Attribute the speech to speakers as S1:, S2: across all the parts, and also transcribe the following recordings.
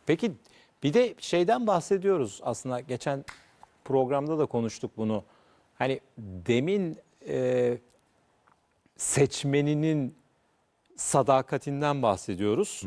S1: Peki bir de şeyden bahsediyoruz aslında, geçen programda da konuştuk bunu. Hani demin seçmeninin sadakatinden bahsediyoruz.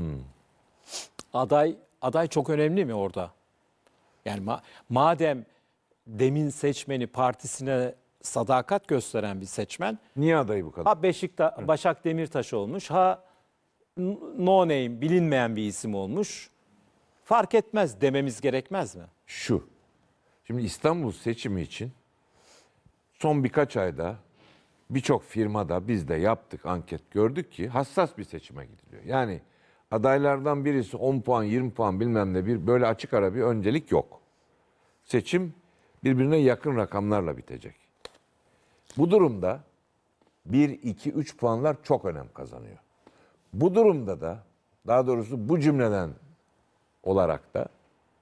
S1: Aday çok önemli mi orada? Yani madem demin seçmeni partisine sadakat gösteren bir seçmen,
S2: Niye adayı bu kadar?
S1: ha Başak Demirtaş olmuş, ha no name, bilinmeyen bir isim olmuş, fark etmez dememiz gerekmez mi?
S2: Şu. Şimdi İstanbul seçimi için son birkaç ayda birçok firmada biz de yaptık, anket gördük ki hassas bir seçime gidiliyor. Yani adaylardan birisi 10 puan, 20 puan bilmem ne, bir böyle açık ara bir öncelik yok. Seçim birbirine yakın rakamlarla bitecek. Bu durumda 1, 2, 3 puanlar çok önem kazanıyor. Bu durumda da, daha doğrusu bu cümleden olarak da,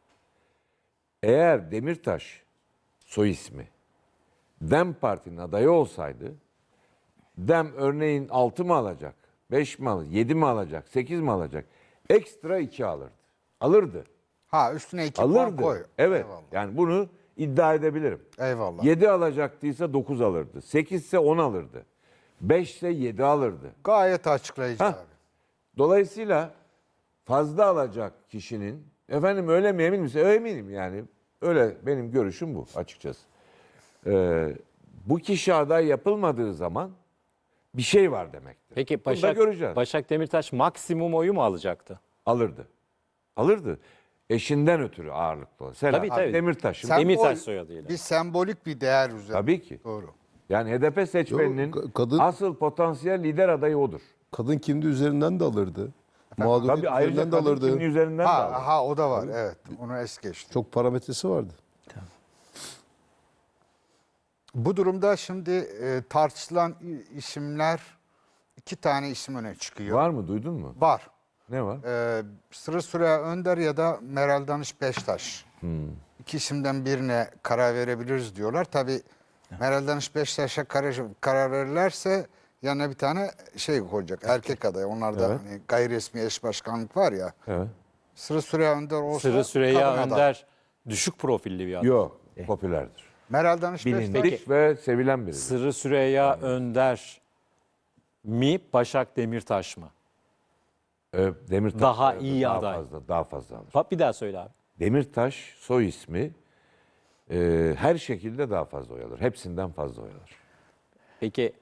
S2: eğer Demirtaş soy ismi DEM Parti'nin adayı olsaydı, DEM örneğin 6 mı alacak, 5 mi alacak, 7 mi alacak, 8 mi alacak? Ekstra 2 alırdı. Alırdı.
S3: Ha, üstüne 2 puan
S2: Alırdı.
S3: koy.
S2: Evet.
S3: Eyvallah.
S2: Yani bunu iddia edebilirim.
S3: Eyvallah.
S2: 7 alacaktıysa 9 alırdı. 8 ise 10 alırdı. 5 ise 7 alırdı.
S3: Gayet açıklayıcı
S2: Hah.
S3: abi.
S2: Dolayısıyla fazla alacak kişinin, efendim öyle mi, emin misin? Öyle eminim yani. Öyle, benim görüşüm bu açıkçası. Bu kişi aday yapılmadığı zaman bir şey var demektir.
S1: Peki
S2: Bunu da göreceğiz.
S1: Başak Demirtaş maksimum oyu mu alacaktı?
S2: Alırdı. Alırdı. Eşinden ötürü ağırlıklı. Selam.
S1: Tabii.
S2: Demirtaş'ın.
S1: Demirtaş soyadıyla.
S3: Bir sembolik bir değer üzerine.
S2: Tabii ki.
S3: Doğru.
S2: Yani HDP seçmeninin
S4: Kadın-
S2: asıl potansiyel lider adayı odur.
S4: Kadın kimliği üzerinden de alırdı. Mağduriyet
S2: Tabii ayrıca
S4: üzerinden de
S2: kadın
S4: alırdı.
S2: kimliği üzerinden de alır.
S3: Ha, o da var. Evet. Onu es geçtim.
S4: Çok parametresi vardı.
S3: Bu durumda şimdi tartışılan isimler, 2 tane isim öne çıkıyor.
S2: Var mı? Duydun mu?
S3: Var.
S2: Ne var?
S3: Sırrı Süreyya Önder ya da Meral Danış Beştaş. İki isimden birine karar verebiliriz diyorlar. Tabii Meral Danış Beştaş'a karar verirlerse yanına bir tane şey koyacak. Erkek aday. Onlarda
S2: Evet.
S3: hani gayri resmi eş başkanlık var ya.
S2: Evet.
S3: Sırrı Süreyya Önder olsa
S1: Sırrı Süreyya
S3: kadın aday.
S1: Önder düşük profilli bir adam.
S2: Yok. Popülerdir.
S3: Meral Danış Beştaş.
S2: Bilindik ve sevilen biri.
S1: Sırrı Süreyya Önder mi, Başak Demirtaş mı?
S2: Demirtaş
S1: Daha
S2: soyadı
S1: iyi aday.
S2: Daha fazla alır.
S1: Bak bir daha söyle abi.
S2: Demirtaş soy ismi her şekilde daha fazla oy alır. Hepsinden fazla oy alır.
S1: Peki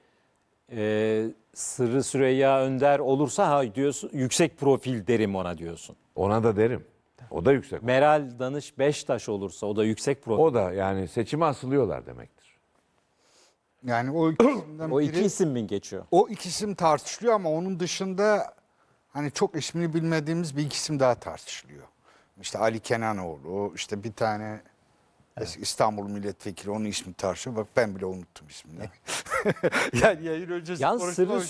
S1: Sırrı Süreyya Önder olursa ha diyorsun, yüksek profil derim ona diyorsun.
S2: Ona da derim. O da yüksek.
S1: Meral Danış Beştaş olursa o da yüksek profil.
S2: O da yani seçime asılıyorlar demektir.
S3: Yani o iki isimden
S1: O
S3: biri,
S1: iki isim mi geçiyor?
S3: o iki isim tartışılıyor ama onun dışında hani çok ismini bilmediğimiz bir iki isim daha tartışılıyor. İşte Ali Kenanoğlu, işte bir tane eski İstanbul milletvekili, onun ismi tartışıyor. Bak ben bile unuttum ismini. Yani yayın öncesi
S1: Yalnız
S3: konuşmamış.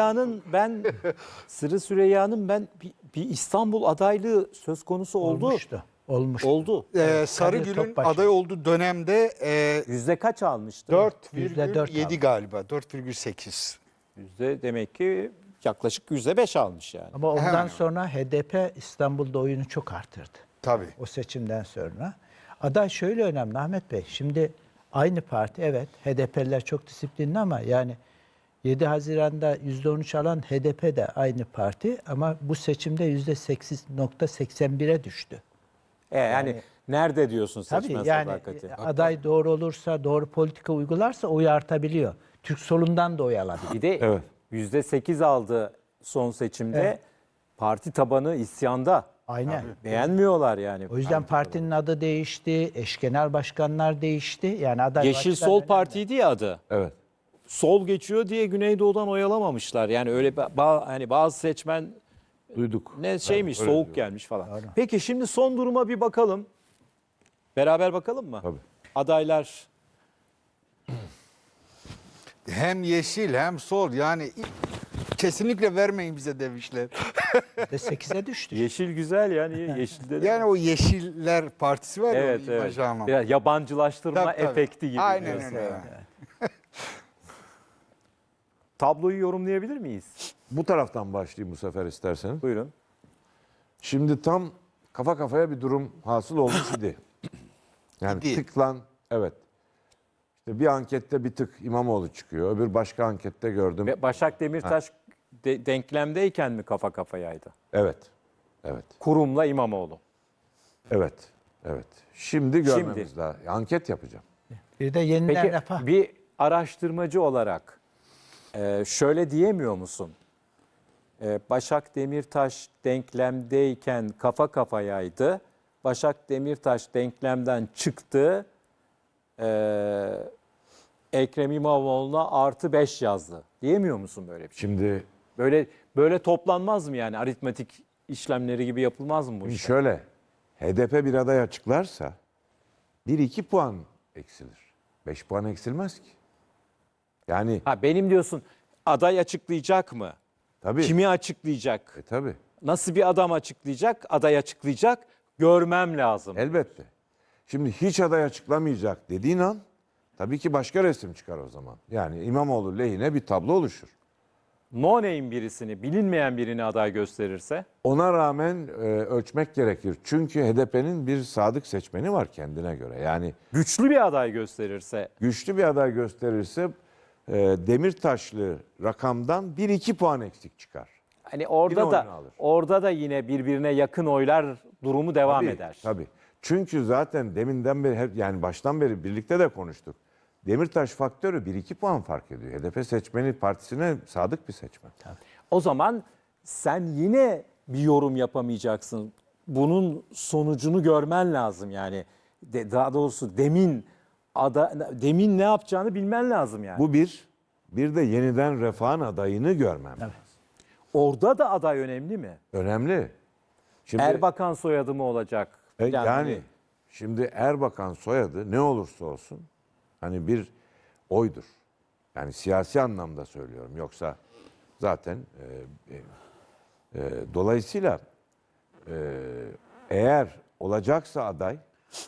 S1: Sırrı Süreyya'nın ben bir İstanbul adaylığı söz konusu oldu.
S5: Olmuştu.
S1: Oldu.
S3: Sarıgül'ün
S5: Topbaşı.
S3: aday olduğu dönemde
S1: Yüzde kaç almıştı?
S5: %4
S3: 4,7
S5: aldı.
S3: galiba. 4,8.
S1: Yüzde demek ki yaklaşık %5 almış yani.
S5: Ama ondan
S3: Hemen.
S5: sonra HDP İstanbul'da oyunu çok artırdı.
S3: Tabii.
S5: O seçimden sonra. Aday şöyle önemli Ahmet Bey. Şimdi aynı parti, evet, HDP'liler çok disiplinli ama yani 7 Haziran'da %13 alan HDP de aynı parti ama bu seçimde %8.81'e düştü.
S1: Yani nerede diyorsun seçmen
S5: Tabii yani
S1: sadakati?
S5: aday doğru olursa, doğru politika uygularsa oyu artabiliyor. Türk solundan da oy alabiliyor.
S1: Bir de
S2: Evet.
S1: %8 aldı son seçimde.
S5: Evet.
S1: Parti tabanı isyanda.
S5: Aynen.
S1: Beğenmiyorlar yani.
S5: O yüzden partinin adı değişti, eş genel başkanlar değişti. Yani aday
S1: Yeşil
S5: başkan
S1: Sol
S5: önemli.
S1: Parti'ydi ya adı.
S2: Evet.
S1: Sol geçiyor diye Güneydoğu'dan oy alamamışlar. Yani öyle hani bazı seçmen
S2: Duyduk.
S1: ne şeymiş,
S2: öyle
S1: soğuk
S2: diyorum.
S1: gelmiş falan. Peki şimdi son duruma bir bakalım. Beraber bakalım mı?
S2: Tabii.
S1: Adaylar
S3: Hem yeşil hem sol, yani kesinlikle vermeyin bize demişler.
S5: %8'e düştü.
S1: yeşil güzel yani yeşilde de.
S3: Yani o Yeşiller Partisi var ya,
S1: Evet,
S3: o imajı
S1: evet.
S3: anlamında.
S1: Biraz yabancılaştırma
S3: Tabii, tabii.
S1: efekti gibi.
S3: Aynen
S1: diyorsun.
S3: öyle.
S1: Tabloyu yorumlayabilir miyiz?
S2: Bu taraftan başlayayım bu sefer isterseniz.
S1: Buyurun.
S2: Şimdi tam kafa kafaya bir durum hasıl olmuş idi. Yani
S3: İdi.
S2: tıklan, evet. İşte bir ankette bir tık İmamoğlu çıkıyor. Öbür başka ankette gördüm.
S1: Ve Başak Demirtaş denklemdeyken mi kafa kafayaydı?
S2: Evet. Evet.
S1: Kurum'la İmamoğlu.
S2: Evet. Evet. Şimdi görmemiz lazım. Anket yapacağım.
S5: Bir de yeniden
S1: Peki
S5: refah.
S1: bir araştırmacı olarak şöyle diyemiyor musun? Başak Demirtaş denklemdeyken kafa kafayaydı. Başak Demirtaş denklemden çıktı. Ekrem İmamoğlu'na +5 yazdı. Diyemiyor musun böyle bir şey?
S2: Şimdi
S1: Böyle toplanmaz mı yani? Aritmetik işlemleri gibi yapılmaz mı bu iş?
S2: şöyle, HDP bir aday açıklarsa 1-2 puan eksilir. 5 puan eksilmez ki. Yani
S1: Ha, benim diyorsun aday açıklayacak mı?
S2: tabii.
S1: Kimi açıklayacak?
S2: Tabii.
S1: Nasıl bir adam açıklayacak? Aday açıklayacak. Görmem lazım.
S2: Elbette. Şimdi hiç aday açıklamayacak dediğin an tabii ki başka resim çıkar o zaman. Yani İmamoğlu lehine bir tablo oluşur.
S1: No name birisini, bilinmeyen birini aday gösterirse
S2: Ona rağmen ölçmek gerekir. Çünkü HDP'nin bir sadık seçmeni var kendine göre. Yani
S1: güçlü bir aday gösterirse
S2: güçlü bir aday gösterirse Demirtaşlı rakamdan 1-2 puan eksik çıkar.
S1: hani
S2: Yine oyunu
S1: orada
S2: alır.
S1: da yine birbirine yakın oylar durumu devam
S2: Tabii,
S1: eder.
S2: Tabii. Çünkü zaten deminden beri hep yani baştan beri birlikte de konuştuk. Demirtaş faktörü 1-2 puan fark ediyor. HDP seçmeni partisine sadık bir seçmen.
S1: O zaman sen yine bir yorum yapamayacaksın. Bunun sonucunu görmen lazım yani. Daha doğrusu demin ne yapacağını bilmen lazım yani.
S2: Bu bir de yeniden Refah'ın adayını görmem lazım.
S1: Orada da aday önemli mi?
S2: Önemli. Şimdi
S1: Erbakan soyadı mı olacak?
S2: yani şimdi Erbakan soyadı ne olursa olsun hani bir oydur. Yani siyasi anlamda söylüyorum. Yoksa zaten dolayısıyla eğer olacaksa aday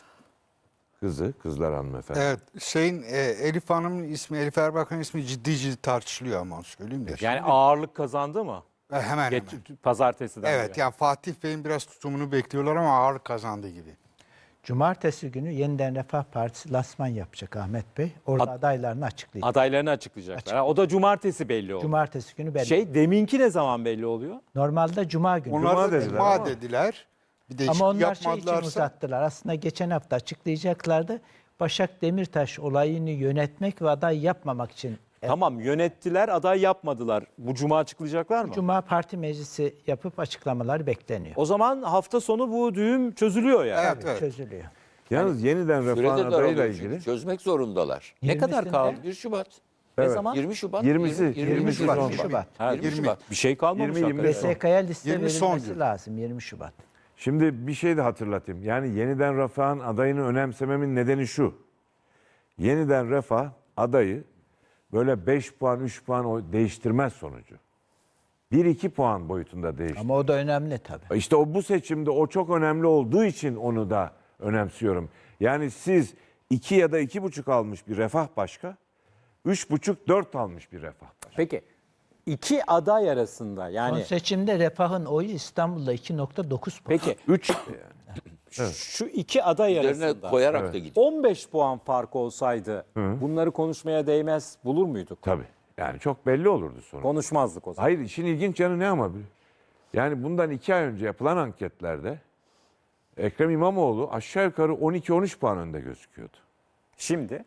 S2: kızlar hanımefendi.
S3: Evet, Elif Hanım'ın ismi, Elif Erbakan'ın ismi ciddi tartışılıyor ama onu söyleyeyim de.
S1: Yani ağırlık kazandı mı?
S3: Hemen hemen.
S1: Pazartesiden
S3: Evet,
S1: beri.
S3: yani Fatih Bey'in biraz tutumunu bekliyorlar ama ağır kazandı gibi.
S5: Cumartesi günü Yeniden Refah Partisi lansman yapacak Ahmet Bey. Orada adaylarını açıklayacak.
S1: Adaylarını açıklayacaklar. Ha, o da cumartesi belli oldu.
S5: Cumartesi günü belli.
S1: Deminki ne zaman belli oluyor?
S5: Normalde Cuma günü.
S3: Onlar da
S2: dediler
S3: Cuma
S2: ama.
S3: dediler. Bir değişiklik
S5: Ama onlar için
S3: yapmadılarsa.
S5: uzattılar. Aslında geçen hafta açıklayacaklardı. Başak Demirtaş olayını yönetmek ve aday yapmamak için.
S1: Tamam, yönettiler, aday yapmadılar. Bu cuma açıklayacaklar mı?
S5: Cuma parti meclisi yapıp açıklamalar bekleniyor.
S1: O zaman hafta sonu bu düğüm çözülüyor yani.
S3: Evet, evet.
S5: Çözülüyor.
S2: Yalnız yeniden Refah'ın
S6: Sürede
S2: adayıyla
S6: daralıyor
S2: ilgili
S6: çünkü. Çözmek zorundalar.
S1: Ne kadar
S5: 20'sinde
S1: kaldı?
S6: 1 Şubat.
S1: Ne
S2: Evet.
S1: zaman?
S6: 20 Şubat.
S2: 20'si,
S6: 20 Şubat.
S2: 20
S5: Şubat.
S1: Ha,
S6: 20 Şubat.
S1: Bir şey kalmamış
S2: 20,
S1: hakikaten.
S2: 25.
S5: BSK'ya liste
S3: 20 son
S5: verilmesi
S3: gün.
S5: lazım 20 Şubat.
S2: Şimdi bir şey de hatırlatayım. Yani yeniden Refah'ın adayını önemsememin nedeni şu. Yeniden Refah adayı böyle 5 puan, 3 puan değiştirmez sonucu. 1-2 puan boyutunda değiştir.
S5: Ama o da önemli tabii.
S2: İşte bu seçimde o çok önemli olduğu için onu da önemsiyorum. Yani siz 2 ya da 2,5 almış bir Refah başka, 3,5-4 almış bir Refah başka.
S1: Peki iki aday arasında
S5: Son
S1: yani
S5: seçimde Refah'ın oyu İstanbul'da 2.9 puan.
S1: peki
S2: 3 yani.
S1: şu iki aday
S6: Üzerine
S1: arasında
S6: koyarak da gidiyor.
S1: 15 puan fark olsaydı bunları konuşmaya değmez bulur muyduk?
S2: Tabii. Yani çok belli olurdu sonuç.
S1: Konuşmazdık o zaman.
S2: Hayır, işin ilginç yanı ne ama? Yani bundan 2 ay önce yapılan anketlerde Ekrem İmamoğlu aşağı yukarı 12-13 puan önde gözüküyordu.
S1: Şimdi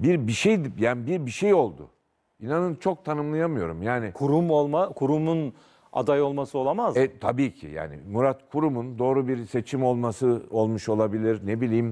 S2: Bir şey oldu. İnanın çok tanımlayamıyorum. Yani
S1: kurumun aday olması olamaz mı?
S2: tabii ki yani Murat Kurum'un doğru bir seçim olmuş olabilir. Ne bileyim.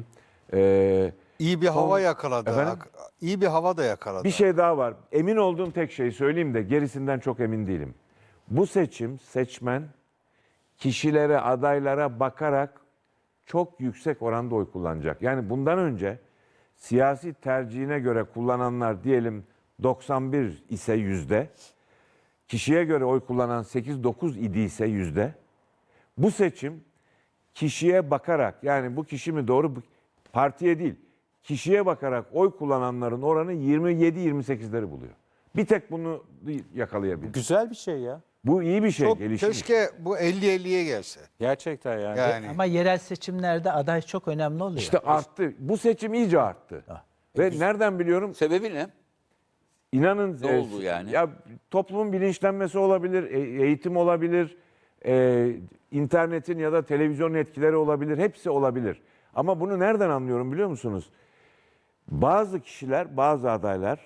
S3: İyi bir hava yakaladı.
S2: Efendim?
S3: İyi bir hava da yakaladı.
S2: Bir şey daha var. Emin olduğum tek şeyi söyleyeyim de gerisinden çok emin değilim. Bu seçmen kişilere, adaylara bakarak çok yüksek oranda oy kullanacak. Yani bundan önce siyasi tercihine göre kullananlar diyelim 91 ise yüzde, kişiye göre oy kullanan 8-9 idiyse yüzde, bu seçim kişiye bakarak, yani bu kişi mi doğru, partiye değil, kişiye bakarak oy kullananların oranı 27-28'leri buluyor. Bir tek bunu yakalayabilir.
S1: Güzel bir şey ya.
S2: Bu iyi bir şey.
S3: Çok
S2: Gelişim.
S3: keşke bu 50-50'ye gelse.
S1: Gerçekten yani.
S3: Yani
S5: Ama yerel seçimlerde aday çok önemli oluyor.
S2: İşte arttı. Bu seçim iyice arttı. Ve nereden biliyorum?
S6: Sebebi ne?
S2: İnanın
S6: Ne oldu yani?
S2: Ya toplumun bilinçlenmesi olabilir, eğitim olabilir, internetin ya da televizyonun etkileri olabilir, hepsi olabilir. Ama bunu nereden anlıyorum biliyor musunuz? Bazı kişiler, bazı adaylar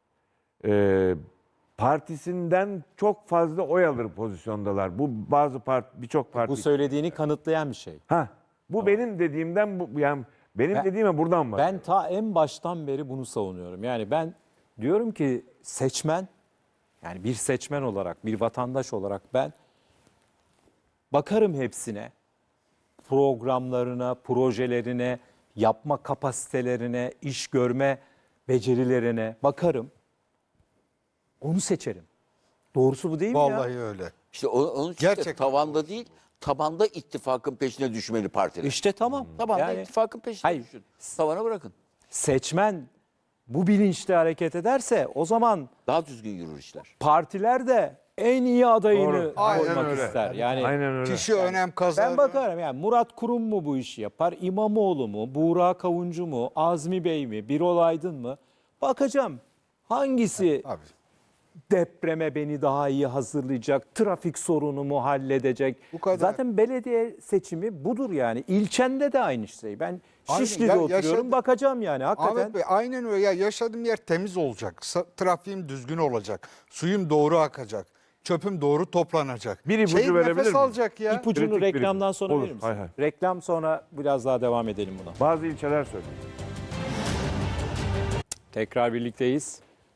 S2: partisinden çok fazla oy alır pozisyondalar. Bu bazı birçok parti.
S1: Bu söylediğini kanıtlayan bir şey.
S2: Bu benim dediğimden yani benim dediğime buradan var.
S1: Ben ta en baştan beri bunu savunuyorum. Yani ben diyorum ki seçmen, yani bir seçmen olarak, bir vatandaş olarak ben bakarım hepsine. Programlarına, projelerine, yapma kapasitelerine, iş görme becerilerine bakarım. Onu seçerim. Doğrusu bu değil mi ya?
S3: vallahi öyle.
S6: İşte onun için
S3: Gerçekten
S6: de tavanda değil, tabanda ittifakın peşine düşmeli partiler.
S1: İşte tamam.
S6: Tabanda
S1: Yani
S6: ittifakın peşine
S1: hayır.
S6: düşün. Tavana bırakın.
S1: seçmen bu bilinçle hareket ederse o zaman
S6: Daha düzgün yürür işler.
S1: partiler de en iyi adayını
S2: Doğru. Aynen
S1: koymak
S2: öyle.
S1: ister. Yani
S2: Aynen öyle.
S3: Kişi önem kazanır.
S1: ben bakarım yani Murat Kurum mu bu işi yapar, İmamoğlu mu, Buğra Kavuncu mu, Azmi Bey mi, Birol Aydın mı? Bakacağım hangisi
S3: Abi.
S1: depreme beni daha iyi hazırlayacak, trafik sorunumu halledecek.
S3: Bu kadar.
S1: Zaten belediye seçimi budur yani. İlçende de aynı şey. Ben
S3: Aynen.
S1: Şişli'de
S3: Ya-
S1: oturuyorum,
S3: yaşadım.
S1: bakacağım yani hakikaten.
S3: Ahmet Bey aynen öyle. Ya yaşadığım yer temiz olacak. Trafiğim düzgün olacak. Suyum doğru akacak. Çöpüm doğru toplanacak.
S2: Bir ipucu
S3: Şehir
S2: verebilir
S3: nefes
S2: miyim?
S3: alacak ya.
S1: İpucunu
S2: Kritik bir
S1: reklamdan
S2: ipucu.
S1: sonra
S2: Olur,
S1: verir misin?
S2: hay hay.
S1: Reklam sonra biraz daha devam edelim buna.
S2: Bazı ilçeler söylüyor.
S1: Tekrar birlikteyiz.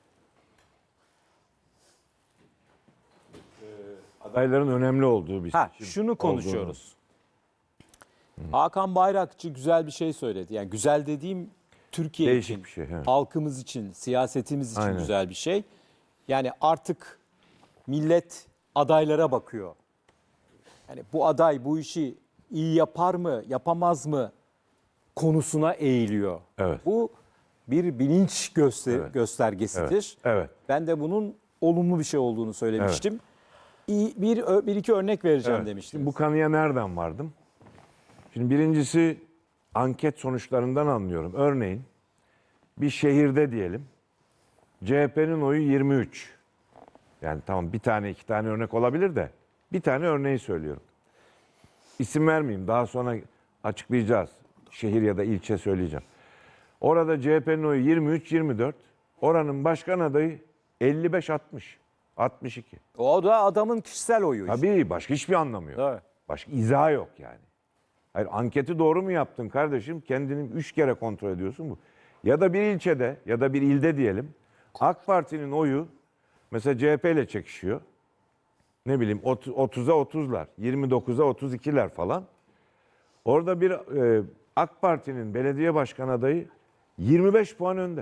S2: Adayların önemli olduğu bir
S1: Ha,
S2: seçim
S1: şunu konuşuyoruz. Hakan Bayrakçı güzel bir şey söyledi. Yani güzel dediğim Türkiye
S2: Değişik
S1: için,
S2: bir şey, evet.
S1: halkımız için, siyasetimiz için
S2: Aynen.
S1: güzel bir şey. Yani artık millet adaylara bakıyor. Yani bu aday bu işi iyi yapar mı, yapamaz mı konusuna eğiliyor.
S2: Evet.
S1: Bu bir bilinç göstergesidir.
S2: Evet.
S1: Ben de bunun olumlu bir şey olduğunu söylemiştim. Bir iki örnek vereceğim
S2: Evet.
S1: demiştim.
S2: Şimdi bu kanıya nereden vardım? Şimdi birincisi anket sonuçlarından anlıyorum. Örneğin bir şehirde diyelim CHP'nin oyu 23. Yani tamam bir tane iki tane örnek olabilir de bir tane örneği söylüyorum. İsim vermeyeyim, daha sonra açıklayacağız. Şehir ya da ilçe söyleyeceğim. Orada CHP'nin oyu 23-24. Oranın başkan adayı 55-60. 62.
S1: O da adamın kişisel oyu. işte.
S2: Tabii başka hiçbir anlamı yok.
S1: Evet.
S2: Başka izahı yok yani. Hayır, anketi doğru mu yaptın kardeşim? Kendini 3 kere kontrol ediyorsun bu. Ya da bir ilçede ya da bir ilde diyelim AK Parti'nin oyu mesela CHP ile çekişiyor. Ne bileyim 30'a 30'lar, 29'a 32'ler falan. Orada bir AK Parti'nin belediye başkan adayı 25 puan önde.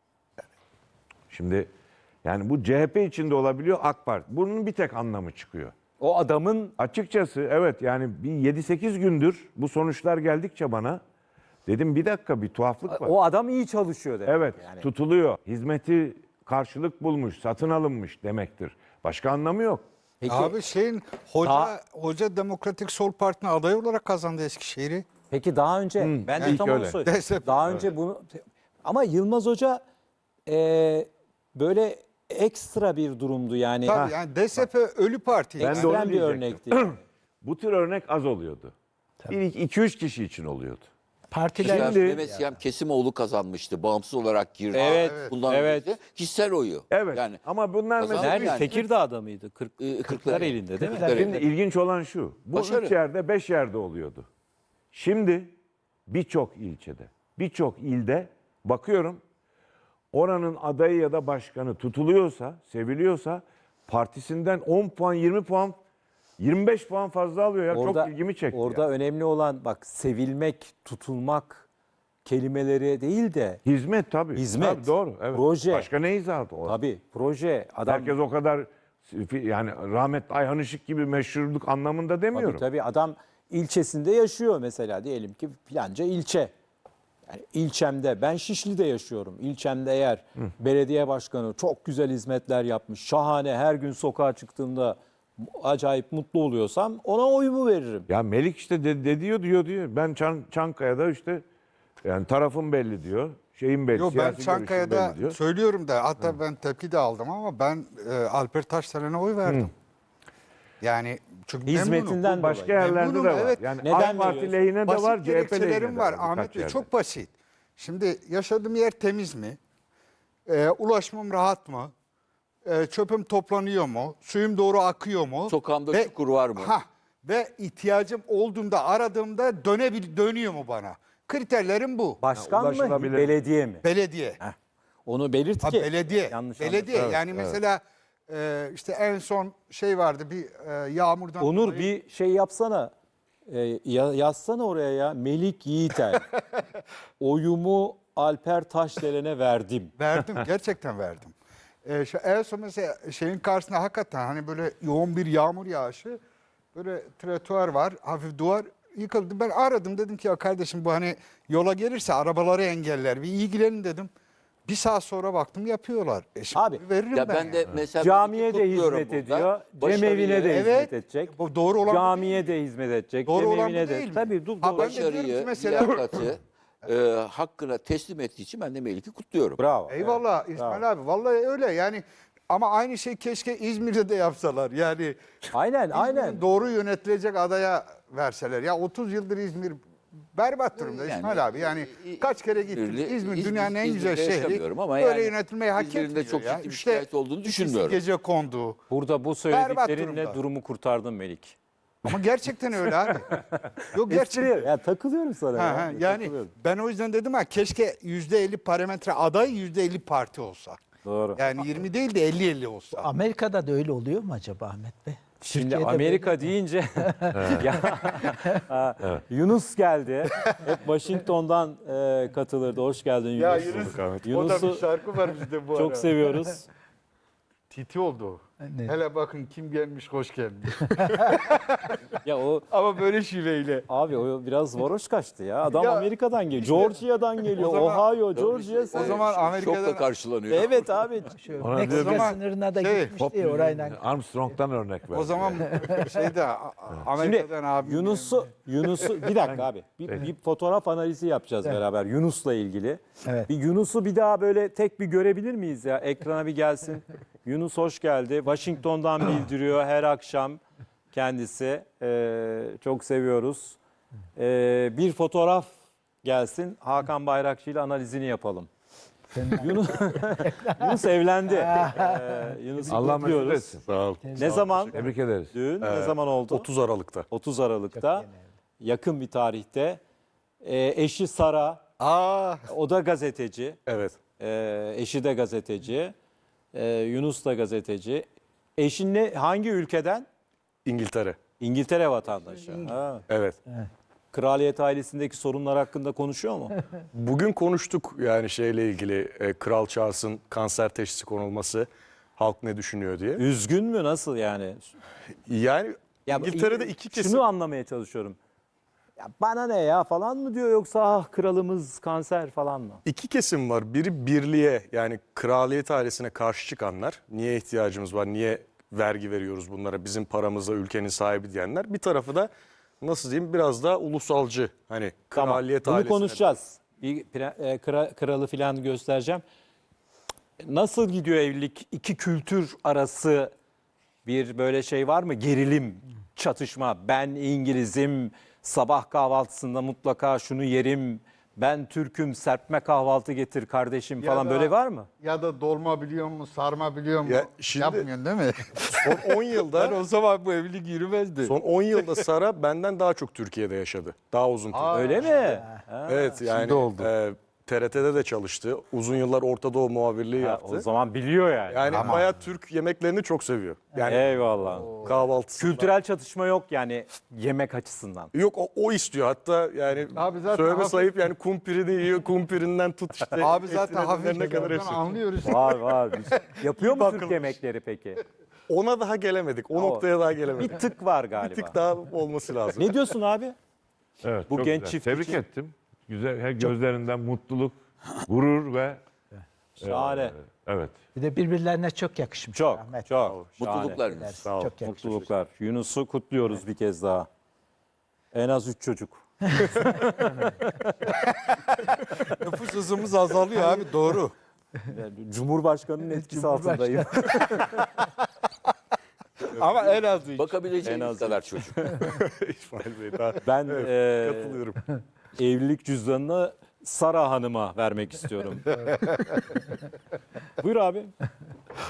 S2: Şimdi yani bu CHP içinde olabiliyor, AK Parti. Bunun bir tek anlamı çıkıyor.
S1: O adamın
S2: Açıkçası evet yani bir 7-8 gündür bu sonuçlar geldikçe bana dedim bir dakika bir tuhaflık var.
S1: o adam iyi çalışıyor demek.
S2: Evet
S1: Yani.
S2: tutuluyor. Hizmeti karşılık bulmuş, satın alınmış demektir. Başka anlamı yok.
S1: Peki,
S3: Abi hoca Demokratik Sol Parti'ne aday olarak kazandı Eskişehir'i.
S1: peki daha önce ben de
S2: ilk
S1: tam onu
S2: öyle.
S1: söyleyeyim.
S3: DSP.
S1: Daha önce bunu ama Yılmaz Hoca böyle ekstra bir durumdu yani.
S3: Tabii yani DSP ölü parti.
S2: Ben de
S1: Ekstrem
S2: onu
S1: bir
S2: diyecektim.
S1: örnekti.
S2: Bu tür örnek az oluyordu. 2-3 kişi için oluyordu.
S5: Partiler
S6: Siyam,
S2: Şimdi-
S6: Mehmet Siyam Kesimoğlu kazanmıştı. Bağımsız olarak girdi.
S1: Evet,
S6: Bundan
S1: evet.
S6: önce kişisel oyu.
S2: Evet
S6: Yani
S2: ama bunlar
S6: Kazandı
S2: mesela
S1: Nerede?
S6: yani.
S1: Tekirdağ'da mıydı? Kırklar
S6: Kırklareli.
S1: elinde değil mi?
S6: Kırklareli.
S2: şimdi ilginç olan şu. Bu
S6: Başarı.
S2: 3 yerde 5 yerde oluyordu. Şimdi birçok ilçede, birçok ilde bakıyorum oranın adayı ya da başkanı tutuluyorsa, seviliyorsa partisinden 10 puan, 20 puan, 25 puan fazla alıyor ya. Çok ilgimi çekti.
S1: Orada
S2: ya.
S1: önemli olan bak sevilmek, tutulmak kelimeleri değil de
S2: Hizmet tabii.
S1: Hizmet,
S2: Tabii, doğru. Evet.
S1: proje.
S2: Başka ne izahatı o?
S1: tabii proje adam
S2: Herkes o kadar yani rahmetli Ayhan Işık gibi meşhurluk anlamında demiyorum.
S1: tabii adam ilçesinde yaşıyor mesela diyelim ki filanca ilçe. Yani ilçemde ben Şişli'de yaşıyorum. İlçemde eğer belediye başkanı çok güzel hizmetler yapmış. Şahane her gün sokağa çıktığımda acayip mutlu oluyorsam ona oyumu veririm.
S2: Ya Melik işte diyor. Ben Çankaya'da işte yani tarafım belli diyor. Şeyim belli.
S3: Yok, ben
S2: siyasi görüşüm
S3: Çankaya'da
S2: belli diyor.
S3: söylüyorum da, hatta ben tepki de aldım ama ben Alper Taşdelen'e oy verdim. Yani çünkü
S1: Hizmetinden
S3: memnunum.
S2: Başka
S1: dolayı.
S2: yerlerde de
S3: Memnunum,
S2: var.
S3: evet.
S2: Yani
S1: Neden
S2: AK Parti
S1: veriyorsun?
S2: lehine de
S3: Basit
S2: var, CHP lehine
S3: gerekçelerim
S2: de
S3: var
S2: var.
S3: Ahmet
S2: birkaç
S3: Bey,
S2: yerde.
S3: çok basit. Şimdi yaşadığım yer temiz mi? Ulaşmam rahat mı? Çöpüm toplanıyor mu? Suyum doğru akıyor mu?
S6: Sokağımda çukur var mı?
S3: Ve ihtiyacım olduğunda, aradığımda dönüyor mu bana? Kriterlerim bu.
S1: Başkan mı,
S2: ulaşılabilir.
S1: belediye mi?
S3: Belediye.
S1: Onu belirt
S3: Ha,
S1: ki.
S3: belediye.
S1: Yanlış
S3: Belediye.
S1: anlaşılmasın.
S3: Yani mesela işte en son şey vardı, bir yağmurdan
S1: Onur
S3: dolayı-
S1: bir şey yapsana. Yazsana oraya ya. Melik Yiğiter. Oyumu Alper Taşdelen'e verdim.
S3: Verdim, gerçekten verdim. En son mesela şeyin karşısında hakikaten hani böyle yoğun bir yağmur yağışı, böyle trotuar var, hafif duvar yıkıldı. Ben aradım, dedim ki ya kardeşim, bu hani yola gelirse arabaları engeller, bir ilgilenin dedim. Bir saat sonra baktım yapıyorlar. Şimdi
S1: Abi,
S3: veririm
S6: Ya ben
S3: yani.
S6: de mesela
S1: Camiye de
S6: kutluyorum
S1: hizmet
S6: burada.
S1: ediyor.
S6: Başarıyı-
S1: Cemevine de
S3: Evet,
S1: hizmet edecek.
S3: bu doğru olan bu
S1: Camiye de hizmet edecek.
S3: Doğru olan bu
S1: Cemevine de.
S3: değil mi?
S1: Tabii
S3: Ha,
S1: doğru.
S3: ben de diyorum ki
S6: Başarıyı,
S3: mesela-
S6: liyakati hakkına teslim ettiği için ben de Melik'i kutluyorum.
S1: Bravo.
S3: Eyvallah İsmail abi, vallahi öyle yani, ama aynı şey keşke İzmir'de de yapsalar. Yani
S1: Aynen,
S3: İzmir'in
S1: aynen.
S3: doğru yönetilecek adaya verseler. Ya 30 yıldır İzmir berbat durumda
S6: Yani,
S3: İsmail abi. Yani kaç kere gittim. İzmir dünyanın en güzel
S6: İzmir'de
S3: şehri.
S6: yaşamıyorum ama
S3: Böyle
S6: yani
S3: yönetmeyi hak
S6: İzmir'in de
S3: etmiyor
S6: çok
S3: ya.
S6: ciddi bir
S3: İşte
S6: şikayet olduğunu
S3: ikisi
S6: düşünmüyorum.
S3: gece kondu.
S1: Burada bu
S3: Berbat
S1: söylediklerinle
S3: durumda.
S1: durumu kurtardın Melik.
S3: Ama gerçekten öyle abi. Yok gerçekten.
S1: Espri, ya takılıyorum sana.
S3: Ha,
S1: ya.
S3: ha, yani
S1: Takılıyorum.
S3: ben o yüzden dedim keşke %50 parametre aday, %50 parti olsa.
S1: Doğru.
S3: Yani 20 değil de 50-50 olsa.
S5: Amerika'da da öyle oluyor mu acaba Ahmet Bey?
S1: Şimdi
S5: Türkiye'de
S1: Amerika
S5: böyle mi?
S1: deyince ya, Yunus geldi. Hep Washington'dan katılırdı. Hoş geldin Yunus.
S3: Ya Yunus, o da bir
S1: Yunus'u
S3: şarkı var bizde bu
S1: çok
S3: ara.
S1: seviyoruz.
S3: Titi oldu.
S5: Ne?
S3: Hele bakın kim gelmiş, hoş gelmiş.
S1: Ya o
S3: Ama böyle şiveyle.
S1: abi o biraz varoş kaçtı ya. Adam
S3: Ya,
S1: Amerika'dan geliyor. Georgia'dan geliyor.
S3: o zaman-
S1: Ohio, Georgia.
S3: O zaman Amerika'dan-
S6: Şokla karşılanıyor.
S1: Evet abi.
S5: Şu
S2: Ona
S5: Meksika
S2: diyor-
S3: zaman
S5: sınırına da
S3: şey,
S5: gitmişti ya orayla.
S2: Armstrong'dan örnek ver.
S3: O zaman şeyde Amerika'dan
S1: Şimdi
S3: abi.
S1: Yunus'u bir dakika abi. Bir fotoğraf analizi yapacağız beraber Yunus'la ilgili.
S5: Evet.
S1: Bir Yunus'u bir daha böyle tek bir görebilir miyiz ya? Ekrana bir gelsin. Yunus hoş geldi. Washington'dan bildiriyor her akşam kendisi. Çok seviyoruz. Bir fotoğraf gelsin. Hakan Bayrakçı ile analizini yapalım. Yunus evlendi. Yunus'u
S2: Allah mesut
S1: kutluyoruz.
S2: etsin.
S4: Sağ ol.
S1: Ne zaman?
S2: Tebrik ederiz.
S1: Düğün ne zaman oldu?
S4: 30 Aralık'ta.
S1: 30 Aralık'ta. Yakın bir tarihte. Eşi Sara, o da gazeteci.
S4: Evet.
S1: Eşi de gazeteci. Yunus da gazeteci. Eşin hangi ülkeden?
S4: İngiltere.
S1: İngiltere vatandaşı. Ha.
S4: Evet.
S1: Kraliyet ailesindeki sorunlar hakkında konuşuyor mu?
S4: Bugün konuştuk yani şeyle ilgili Kral Charles'ın kanser teşhisi konulması, halk ne düşünüyor diye.
S1: Üzgün mü? Nasıl yani?
S4: Yani
S1: Ya,
S4: İngiltere'de iki kesim.
S1: Şunu anlamaya çalışıyorum. Ya bana ne ya falan mı diyor yoksa ah kralımız kanser falan mı?
S4: İki kesim var. Biri birliğe, yani kraliyet ailesine karşı çıkanlar. Niye ihtiyacımız var? Niye vergi veriyoruz bunlara? Bizim paramıza ülkenin sahibi diyenler. Bir tarafı da nasıl diyeyim, biraz daha ulusalcı. Hani
S1: Tamam.
S4: kraliyet
S1: Bunu
S4: ailesine.
S1: konuşacağız. Bir kralı falan göstereceğim. Nasıl gidiyor evlilik? İki kültür arası bir böyle şey var mı? Gerilim, çatışma. Ben İngilizim, sabah kahvaltısında mutlaka şunu yerim. Ben Türk'üm, serpme kahvaltı getir kardeşim
S3: Ya
S1: falan
S3: da-
S1: böyle var mı?
S3: Ya da dolma biliyor mu, sarma biliyor mu?
S4: Ya şimdi-
S3: Yapmıyorsun değil mi?
S4: Son 10 yılda
S3: o zaman bu evlilik yürümezdi.
S4: son 10 yılda Sara benden daha çok Türkiye'de yaşadı. Daha uzun süre.
S1: Öyle mi? Ha,
S4: Evet yani
S3: oldu.
S4: TRT'de de çalıştı. Uzun yıllar Orta Doğu muhabirliği yaptı.
S1: o zaman biliyor yani.
S4: Yani bayağı Türk yemeklerini çok seviyor. Yani
S1: Eyvallah.
S4: kahvaltısı.
S1: Kültürel çatışma yok yani yemek açısından.
S4: Yok, o istiyor. Hatta yani
S3: Abi zaten
S4: söyleme
S3: hafif-
S4: sayıp yani kumpirini yiyor. Kumpirinden tut işte.
S3: Abi zaten
S4: etine
S3: hafif
S4: ne kadar hepsi.
S3: anlıyoruz.
S1: Var var. Yapıyor mu Türk
S4: bakılmış.
S1: yemekleri peki?
S4: Ona daha gelemedik. O noktaya daha gelemedik.
S1: Bir tık var galiba.
S4: Bir tık daha olması lazım.
S1: Ne diyorsun abi?
S2: Evet,
S1: Bu
S2: çok
S1: genç
S2: güzel.
S1: çift
S2: Tebrik
S1: için-
S2: ettim. Güzel, gözlerinden mutluluk, gurur ve
S1: Şahane.
S2: Evet.
S5: Bir de birbirlerine çok yakışmış.
S1: Çok,
S5: Ahmet.
S1: çok.
S6: Mutluluklar.
S1: Şahane.
S5: Ederiz.
S4: Sağ ol.
S5: Çok yakışmış.
S1: Mutluluklar. Yunus'u kutluyoruz bir kez daha. En az 3 çocuk.
S3: Nüfus hızımız azalıyor abi, doğru.
S1: Yani Cumhurbaşkanı'nın etkisi
S5: Cumhurbaşkanı.
S1: altındayım.
S3: Ama en az üç.
S6: Bakabileceğiniz kadar çocuk.
S4: İsmail Bey daha
S1: Ben
S4: katılıyorum.
S1: evlilik cüzdanını Sara Hanım'a vermek istiyorum. Buyur abi.